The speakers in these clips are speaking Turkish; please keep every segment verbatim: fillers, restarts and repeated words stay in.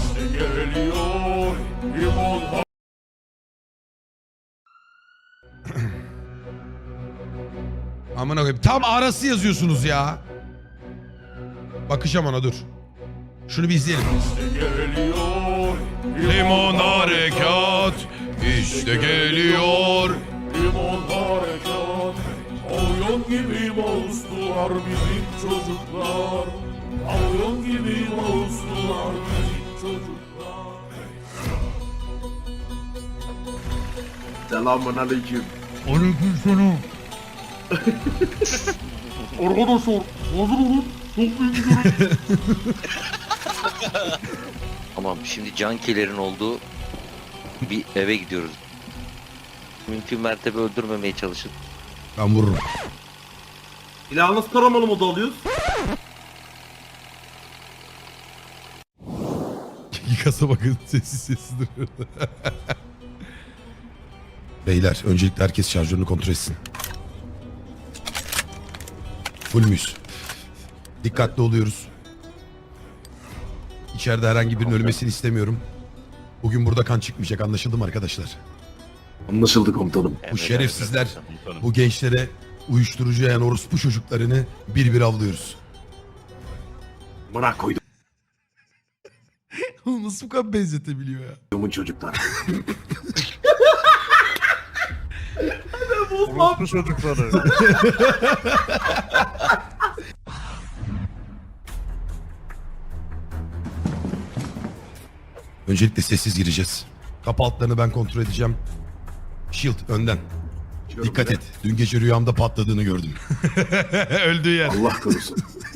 İşte geliyor limon. Aman koyayım. Tam arası yazıyorsunuz ya. Bakacağım ona dur. Şunu bir izleyelim. İşte geliyor Limon harekat işte geliyor. limon harekat. Avyon gibi moustular bizim çocuklar. Avyon gibi moustular bizim çocuklar. Selamun aleyküm. Aleykümselam. Arkadaşlar hazır olun. Çok büyük bir görüntü. Tamam, şimdi cankilerin olduğu bir eve gidiyoruz. Mümkün mertebe öldürmemeye çalışın. Ben vururum. İlahı nasıl taramalı modu alıyoruz? Yıkasa bakın sessiz sessiz duruyor. Beyler öncelikle herkes şarjörünü kontrol etsin. Full müyüz? Dikkatli oluyoruz. İçeride herhangi birinin ölmesini istemiyorum. Bugün burada kan çıkmayacak, anlaşıldı mı arkadaşlar? Anlaşıldı komutanım. Bu şerefsizler bu gençlere uyuşturucu yayan orospu çocuklarını bir bir avlıyoruz. Bana koydum Nasıl bu kadar benzetebiliyor ya? çocuklar. Orospu çocukları. Öncelikle sessiz gireceğiz. Kapı altlarını ben kontrol edeceğim. Shield önden. Dikkat et. Dün gece rüyamda patladığını gördüm. Öldüğü yer. Allah korusun.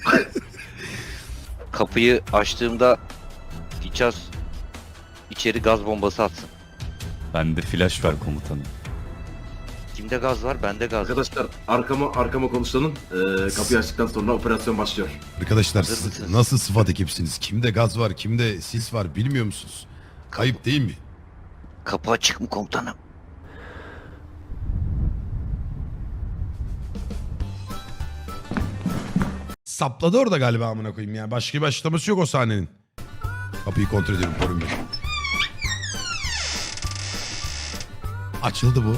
Kapıyı açtığımda Fiçaz içeri gaz bombası atsın. Bende flash var komutanım. Kimde gaz var? Bende gaz var. Arkadaşlar arkama arkama konuşlanın. Ee, kapıyı açtıktan sonra operasyon başlıyor. Arkadaşlar Hazır siz mısınız? nasıl sıfat ekipsiniz? Kimde gaz var, kimde sis var bilmiyor musunuz? Kayıp değil mi? Kapı açık mı komutanım? Sapladı orada galiba amına koyayım ya. Başka bir açıklaması yok o sahnenin. Kapıyı kontrol ediyorum korun beni. Açıldı bu.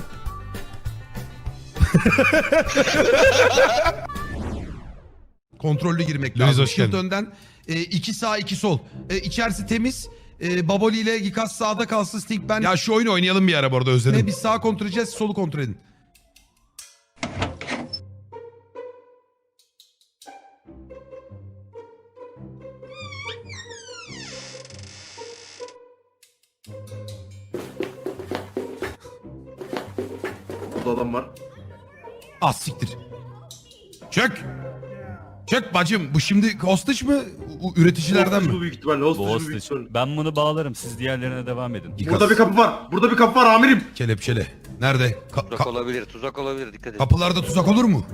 Kontrollü girmek lazım. hoş Shield geldin. önden. E, iki sağ iki sol. E, içerisi temiz. E, Baboli ile Gikas sağda kalsın. Sting ben. Ya şu oyunu oynayalım bir ara bu arada özledim. E, biz sağa kontrol edeceğiz. Solu kontrol edin. Burada adam var. Az siktir. Çök. Çök bacım. Bu şimdi hostage mı? U- Üreticilerden Hostage bu mi? büyük ihtimalle. Hostage bu büyük Hostage. ihtimalle. Ben bunu bağlarım. Siz diğerlerine devam edin. Gikas. Burada bir kapı var. Burada bir kapı var amirim. Kelepçele. Nerede? Ka- Tuzak ka- olabilir, tuzak olabilir. Dikkat edin. kapılarda tuzak olur mu?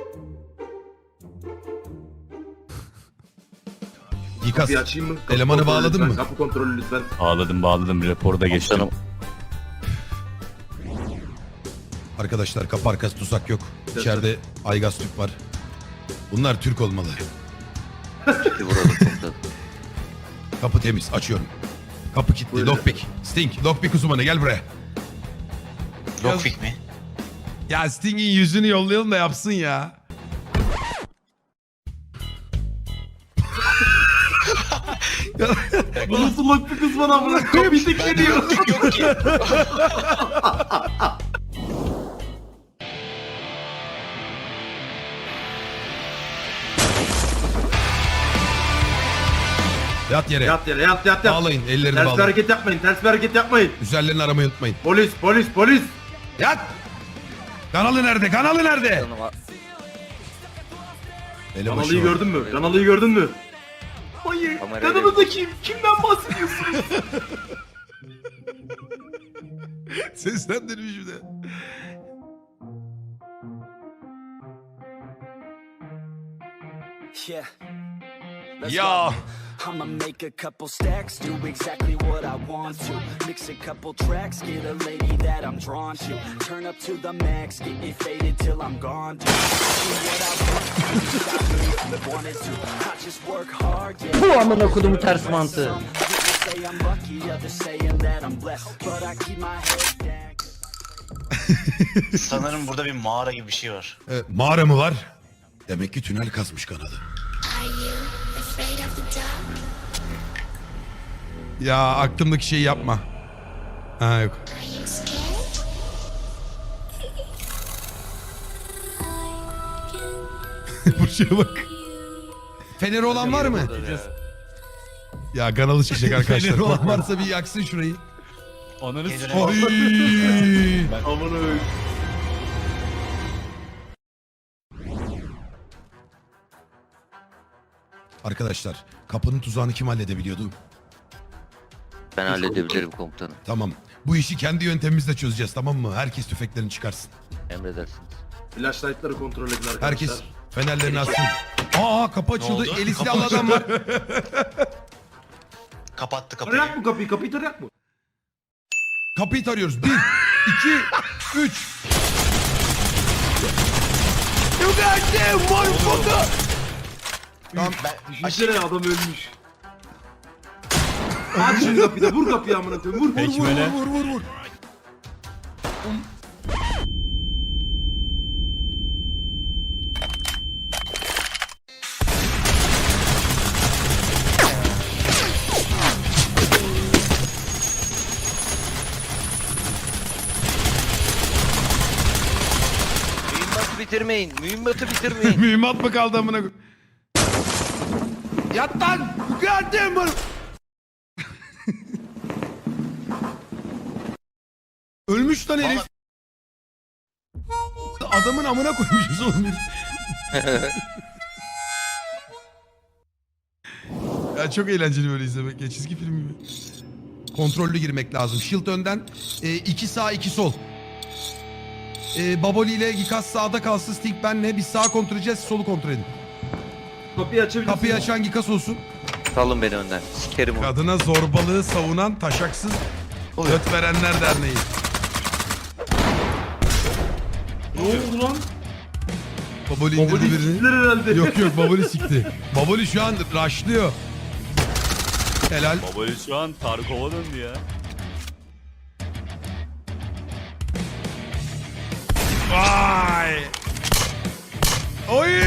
Gikas. Kapıyı açayım mı? Kapı Elemanı kontrolü bağladın lütfen. mı? Kapı kontrolü lütfen. Bağladım bağladım. Raporu da geçtim. Komutanım, Arkadaşlar kapı arkası tuzak yok. İçeride Aygaz Türk var. Bunlar Türk olmalı. bir vuralım komutanım. Kapı temiz. Açıyorum. Kapı kilitli. Buyurun. Lockpick. Sting. Lockpick uzmanı gel buraya. Lockpick mi? Ya Sting'in yüzünü yollayalım da yapsın ya. Bu nasıl lok bir kız bana amına kapıyı tekleniyor. Yok ki. Yat yere. Yat yere yat yat yat. Bağlayın. Ellerini Ters bir bağlayın. hareket yapmayın. Ters bir hareket yapmayın. Üzerlerini aramayı unutmayın. Polis polis polis. Yat. Kanalı nerede? Kanalı nerede? Komutanım, Elebaşı Kanalıyı o. gördün mü? Kanalıyı gördün mü? Hayır. Kamerayla- Kanalında kim? Kimden bahsediyorsun? Seslendirmiş bir de. Yeah. Let's Ya. go. I'ma make a couple stacks, do exactly what I want to. Mix a couple tracks, get a lady that I'm drawn to. Turn up to the max, get me faded till I'm gone. Do what I want to, what I really wanted to. I just work hard, yeah. Bu amına kodumu ters mantığı. say I'm lucky, others saying that I'm blessed. But I keep my head down. Sanırım burada bir mağara gibi bir şey var. E, mağara mı var? Demek ki tünel kazmış kanadı. Are you afraid of the dark? Ya aklımdaki şeyi yapma. Ha yok. Are you scared? Buraya bak. Feneri olan var mı? Ya kanalı çıkacak arkadaşlar. Feneri olan varsa bir yaksın şurayı. Ananı Geceler- s***. Oy. Aman öyle. Arkadaşlar kapının tuzağını kim halledebiliyordu? Ben halledebilirim komutanım. Tamam. Bu işi kendi yöntemimizle çözeceğiz, tamam mı? Herkes tüfeklerini çıkarsın. Emredersiniz. Flashlight'ları kontrol edin arkadaşlar. Herkes fenerlerini açsın. Aa kapı açıldı. oldu? Eli silahlı adam var. Kapattı kapıyı. Tarayak mı kapıyı? Kapıyı tarayak mı? Kapıyı tarıyoruz. Bir, iki, üç. You got them, motherfucker. Tamam. Ben Düşünsene adam ölmüş. Aç şu kapıyı da vur kapıyı amına koyayım. Vur vur vur. Ekmele. Vur vur vur. Mühimmatı bitirmeyin. Mühimmatı bitirmeyin. Mühimmat mı kaldı amına koyayım? Yat lan! You got them, mother- Ölmüş lan herif. Adamın amına koymuşuz oğlum herif. Ya çok eğlenceli böyle izlemek ya, çizgi film gibi. Kontrollü girmek lazım. Shield önden, e, iki sağ iki sol. E, Baboli ile Gikas sağda kalsın, Sting benle. Biz sağa kontrol edeceğiz, solu kontrol edin. Kapıyı açabilirsin. Kapıyı açan Gikas olsun. Salın beni önden. Sikerim onu. Kadına zorbalığı savunan taşaksız göt verenler derneği. Ne oldu lan? Baboli indirdi Baboli birini. siktiler herhalde. Yok yok Baboli sikti. Baboli şu an rushlıyor. Helal. Babali şu an Tarkov'a döndü ya. Vay. Oy.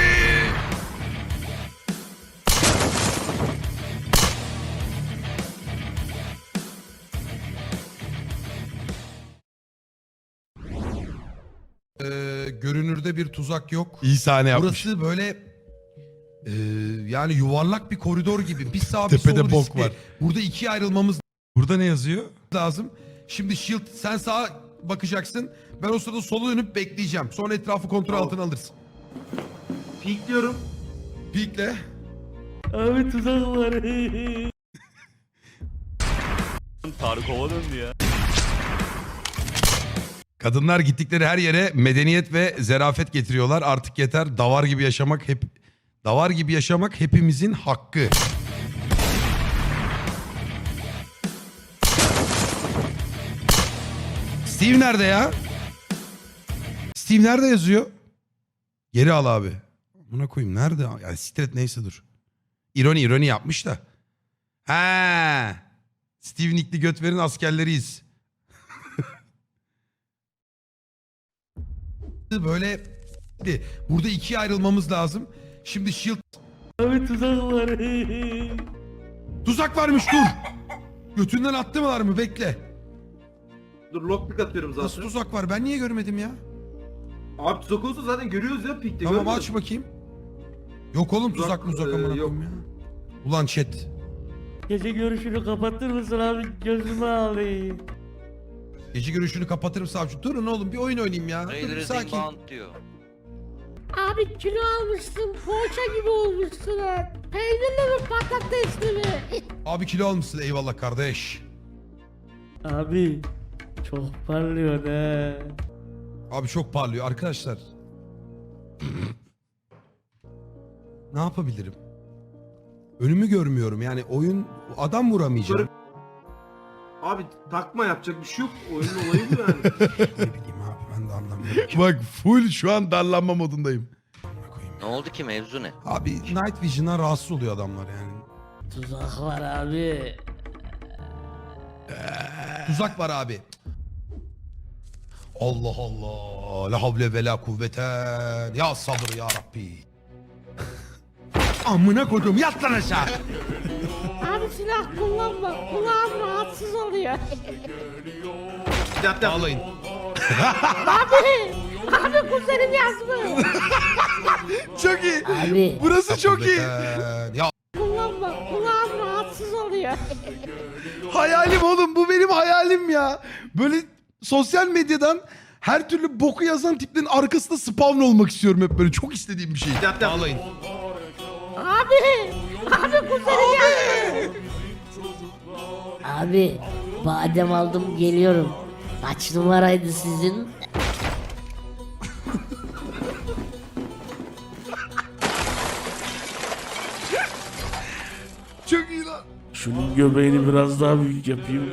Ee, görünürde bir tuzak yok. İyi sahne yapmış. Burası böyle e, yani yuvarlak bir koridor gibi. Bir sağ bir Tepede sol bok riskli. var. Burada ikiye ayrılmamız Burada ne yazıyor? lazım. Şimdi Shield sen sağa bakacaksın. Ben o sırada sola dönüp bekleyeceğim. Sonra etrafı kontrol Tamam. altına alırsın. Peek diyorum. Peekle. Abi tuzak var. Tarkov'a döndü ya. Kadınlar gittikleri her yere medeniyet ve zerafet getiriyorlar. Artık yeter. Davar gibi yaşamak hep davar gibi yaşamak hepimizin hakkı. Steve nerede ya? Steve nerede yazıyor? Geri al abi. Buna koyayım. Nerede? Yani stret neyse dur. İroni ironi yapmış da. Ha. Steve Nickli Götver'in askerleriyiz. Böyle burada ikiye ayrılmamız lazım. Şimdi Shield Abi tuzak var. tuzak varmış dur. Götünden attılar mı? Bekle. Dur lockpick atıyorum zaten. Nasıl tuzak var? Ben niye görmedim ya? Abi tuzak olsa zaten görüyoruz ya Peek'te. Tamam görmüyor aç musun? bakayım. Yok oğlum tuzak Tuzak, muzak e, amına yok. koyayım ya. Ulan chat. Gece görüşünü kapatır mısın abi? Gözümü alayım. Gece görüşünü kapatırım savcı. Durun oğlum bir oyun oynayayım ya. Dur, bir Raiders sakin. inbound diyor. Abi kilo almışsın, poğaça gibi olmuşsun ha. Peynirli mi, patatesli mi? Abi kilo almışsın eyvallah kardeş. Abi çok parlıyor he. Abi çok parlıyor arkadaşlar. Ne yapabilirim? Önümü görmüyorum yani oyun adam vuramayacağım. Abi takma yapacak bir şey yok. Oyunun olayı bu yani. Ne bileyim abi ben de anlamıyorum. Bak full şu an darlanma modundayım. Ne oldu ki mevzu ne? Abi Night Vision'a rahatsız oluyor adamlar yani. Tuzak var abi. Tuzak var abi. Allah Allah. La havle ve la kuvveten. Ya sabır ya Rabbi. Amına koydum yat lan aşağı. Abi silah kullanma. Kulağım rahatsız oluyor. Yat yat. Ağlayın. Abi. Abi kuzenim yazmış. Çok iyi. Abi. Burası çok iyi. Kuvveten. Ya Kullanma. Kulağım rahatsız oluyor. hayalim oğlum bu benim hayalim ya. Böyle sosyal medyadan her türlü boku yazan tiplerin arkasında spawn olmak istiyorum hep böyle. Çok istediğim bir şey. Yat yat. Ağlayın. Abi. Abi kuzenim yazmış. Abi badem aldım geliyorum. Kaç numaraydı sizin? Çok iyi lan. Şunun göbeğini biraz daha büyük yapayım.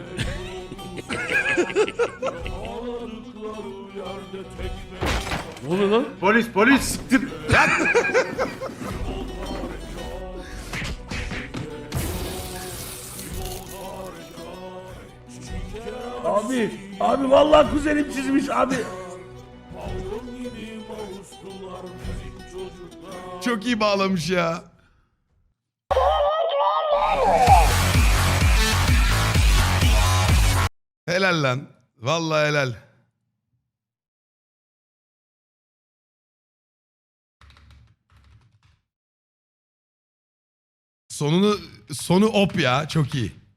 Ne oluyor lan? Polis polis. Siktir. Yat. Abi, abi vallahi kuzenim çizmiş abi. Çok iyi bağlamış ya. Helal lan. Vallahi helal. Sonunu sonu op ya çok iyi.